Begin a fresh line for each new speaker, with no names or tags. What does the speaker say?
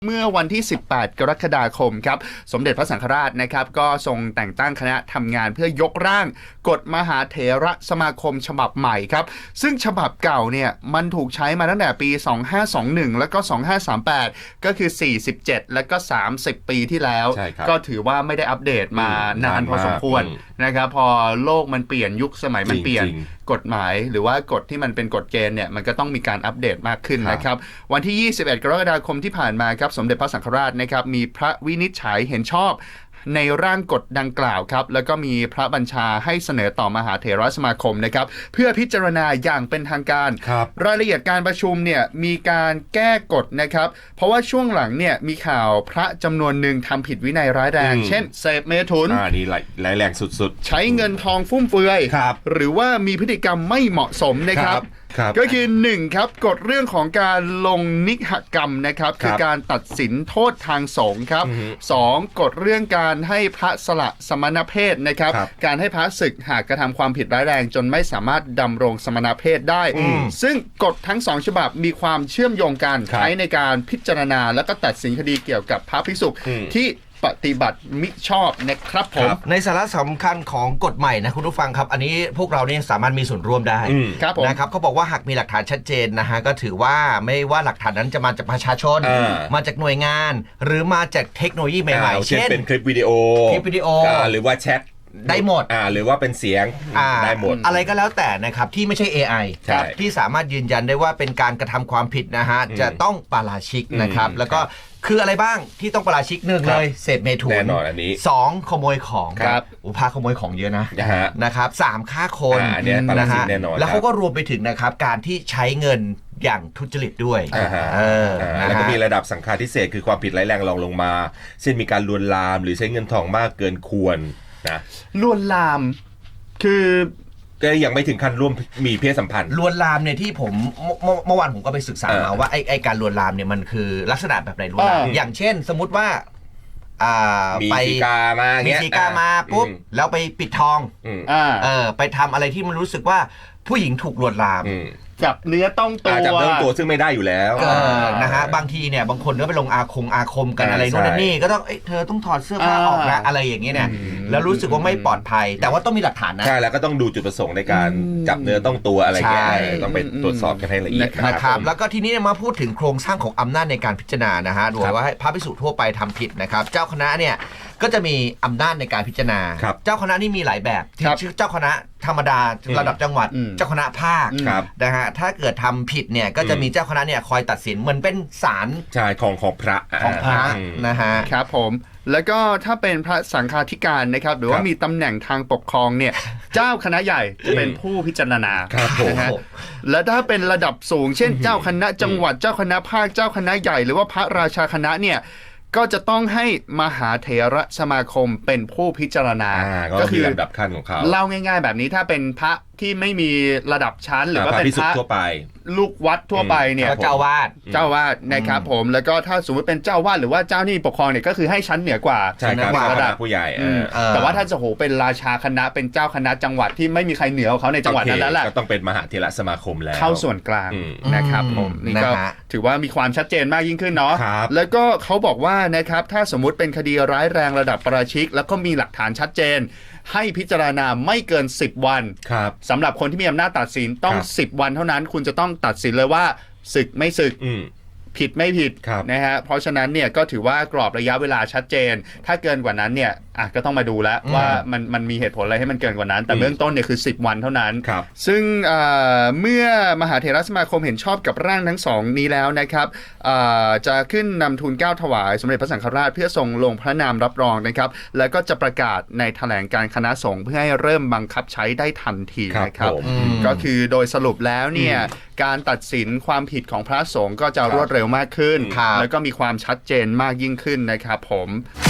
เมื่อวันที่ 18 กรกฎาคมครับสมเด็จพระสังฆราชนะครับก็ทรงแต่งตั้งคณะทำงานเพื่อยกร่างกฎมหาเถรสมาคมฉบับใหม่ครับซึ่งฉบับเก่าเนี่ยมันถูกใช้มาตั้งแต่ปี 2521 แล้วก็ 2538 ก็คือ 47 แล้วก็ 30 ปีที่แล้วก็ถือว่าไม่ได้อัปเดตมานานพอสมควรนะครับพอโลกมันเปลี่ยนยุคสมัยมันเปลี่ยนกฎหมายหรือว่ากฎที่มันเป็นกฎเกณฑ์เนี่ยมันก็ต้องมีการอัปเดตมากขึ้นนะครับวันที่ 21 กรกฎาคมที่ผ่านมาครับสมเด็จพระสังฆราชนะครับมีพระวินิจฉัยเห็นชอบในร่างกฎดังกล่าวครับแล้วก็มีพระบัญชาให้เสนอต่อมหาเถรสมาคมนะครับเพื่อพิจารณาอย่างเป็นทางการรายละเอียดการประชุมเนี่ยมีการแก้กฎนะครับเพราะว่าช่วงหลังเนี่ยมีข่าวพระจำนวนหนึ่งทำผิดวินัยร้ายแรงเช่นเสพเมถุน
นี่ร้ายแรงสุด
ๆใช้เงินทองฟุ่มเฟือยหรือว่ามีพฤติกรรมไม่เหมาะสมนะครับก็คือ1ครับกฎเรื่องของการลงนิหกรรมนะครับคือการตัดสินโทษทางสงฆ์ครับ2กฎเรื่องการให้พระสละสมณเพศนะครับการให้พระศึกหากกระทำความผิดร้ายแรงจนไม่สามารถดำรงสมณเพศได้ซึ่งกฎทั้ง2ฉบับมีความเชื่อมโยงกันใช้ในการพิจารณาและก็ตัดสินคดีเกี่ยวกับพระภิกษุที่ปฏิบัติมิชอบนะครับผม
ในสาระสำคัญของกฎใหม่นะคุณผู้ฟังครับอันนี้พวกเราเนี่ยสามารถมีส่วนร่วมได้นะครับเขาบอกว่าหากมีหลักฐานชัดเจนนะฮะก็ถือว่าไม่ว่าหลักฐานนั้นจะมาจากประชาชนมาจากหน่วยงานหรือมาจากเทคโนโลยีใหม่ๆ
เช่นเป็นคลิปวิดีโอหรือว่าแชท
ได้หมด
หรือว่าเป็นเสียงได้หมด
อะไรก็แล้วแต่นะครับที่ไม่ใช่ AI ที่สามารถยืนยันได้ว่าเป็นการกระทำความผิดนะฮะจะต้องปาราชิกนะครับแล้วก็คืออะไรบ้างที่ต้องปาราชิก1เลยเสพเมถุน
แน่นอนอันนี้
2ขโมยของพาขโมยของเยอะนะครับ3ฆ่าคน
นะฮะ
แล้วเขาก็รวมไปถึงนะครับการที่ใช้เงินอย่างทุจริตด้วย
แล้วก็มีระดับสังฆาทิเศษคือความผิดร้ายแรงรองลงมาเช่นมีการลวนลามหรือใช้เงินทองมากเกินควรนะ
ลวนลามคือ
ก็ยังไม่ถึงขั้นร่วมมีเพศสัมพันธ์
ลวนลามเนี่ยที่ผมเมื่อวานผมก็ไปศึกษามาว่าไอ้การลวนลามเนี่ยมันคือลักษณะแบบไหนลวนลามอย่างเช่นสมมุติว่า
ไปมี
สีกามาปุ๊บแล้วไปปิดทองไปทำอะไรที่มันรู้สึกว่าผู้หญิงถูกลวนลาม
จับเนื้อต้อง
ตัวซึ่งไม่ได้อยู่แล้ว
นะฮะบางทีเนี่ยบางคนก็ไปลงอาคมกันอะไรโน่นนี่ก็ต้องเธอต้องถอดเสื้อผ้าออกนะอะไรอย่างเงี้ยเนี่ยแล้วรู้สึกว่าไม่ปลอดภัยแต่ว่าต้องมีหลักฐานนะ
ใช่แล้วก็ต้องดูจุดประสงค์ในการจับเนื้อต้องตัวอะไรเงี้ยต้องไปตรวจสอบกันให้ละเอียด
นะครับแล้วก็ทีนี้มาพูดถึงโครงสร้างของอำนาจในการพิจารณานะฮะดูว่าพระภิกษุทั่วไปทำผิดนะครับเจ้าคณะเนี่ยก็จะมีอำนาจในการพิจารณาเจ้าคณะนี่มีหลายแบบชื่อเจ้าคณะธรรมดาระดับจังหวัดเจ้าคณะภาคนะฮะถ้าเกิดทำผิดเนี่ยก็จะมีเจ้าคณะเนี่ยคอยตัดสินเหมือนเป็นศาล
ของพระ
นะฮะ
ครับผมแล้วก็ถ้าเป็นพระสังฆาธิการนะครับหรือว่ามีตำแหน่งทางปกครองเนี่ยเจ้าคณะใหญ่จะเป็นผู้พิจารณานะฮะและถ้าเป็นระดับสูงเช่นเจ้าคณะจังหวัดเจ้าคณะภาคเจ้าคณะใหญ่หรือว่าพระราชาคณะเนี่ยก็จะต้องให้มหาเถรสมาคมเป็นผู้พิจารณา
ก็คือลำดับขั้นของเขา
เล่าง่ายๆแบบนี้ถ้าเป็นพระที่ไม่มีระดับชั้นหรือว่าเป็นพระ
ทั่วไป
ลูกวัดทั่วไปเนี่ย
เจ้าวาด
นะครับผมแล้วก็ถ้าสมมติเป็นเจ้าวาดหรือว่าเจ้านี่ปกครองเนี่ยก็คือให้ชั้นเหนือกว่า
ระดับผู้ใหญ่
แต่ว่าถ้าจะโหเป็นราชาคณะเป็นเจ้าคณะจังหวัดที่ไม่มีใครเหนือเขาในจังหวัดนั้นแล้วแหละ
ก็ต้องเป็นมหาเถรสมาคมแล้ว
เข้าส่วนกลางนะครับผมนี่ก็ถือว่ามีความชัดเจนมากยิ่งขึ้นเนาะแล้วก็เขาบอกว่านะครับถ้าสมมุติเป็นคดีร้ายแรงระดับประชิกแล้วก็มีหลักฐานชัดเจนให้พิจารณาไม่เกิน10วันสำหรับคนที่มีอำนาจตัดสินต้อง10วันเท่านั้นคุณจะต้องตัดสินเลยว่าศึกไม่ศึกผิดไม่ผิดนะฮะเพราะฉะนั้นเนี่ยก็ถือว่ากรอบระยะเวลาชัดเจนถ้าเกินกว่านั้นเนี่ยก็ต้องมาดูแล้วว่ามันมีเหตุผลอะไรให้มันเกินกว่านั้นแต่เบื้องต้นเนี่ยคือ10วันเท่านั้นซึ่งเมื่อมหาเถรสมาคมเห็นชอบกับร่างทั้งสองนี้แล้วนะครับจะขึ้นนำทูลเกล้าถวายสมเด็จพระสังฆราชเพื่อทรงลงพระนามรับรองนะครับแล้วก็จะประกาศในแถลงการคณะสงฆ์เพื่อให้เริ่มบังคับใช้ได้ทันทีนะครับก็คือโดยสรุปแล้วเนี่ยการตัดสินความผิดของพระสงฆ์ก็จะรวดเร็วมากขึ้นแล้วก็มีความชัดเจนมากยิ่งขึ้นนะครับผม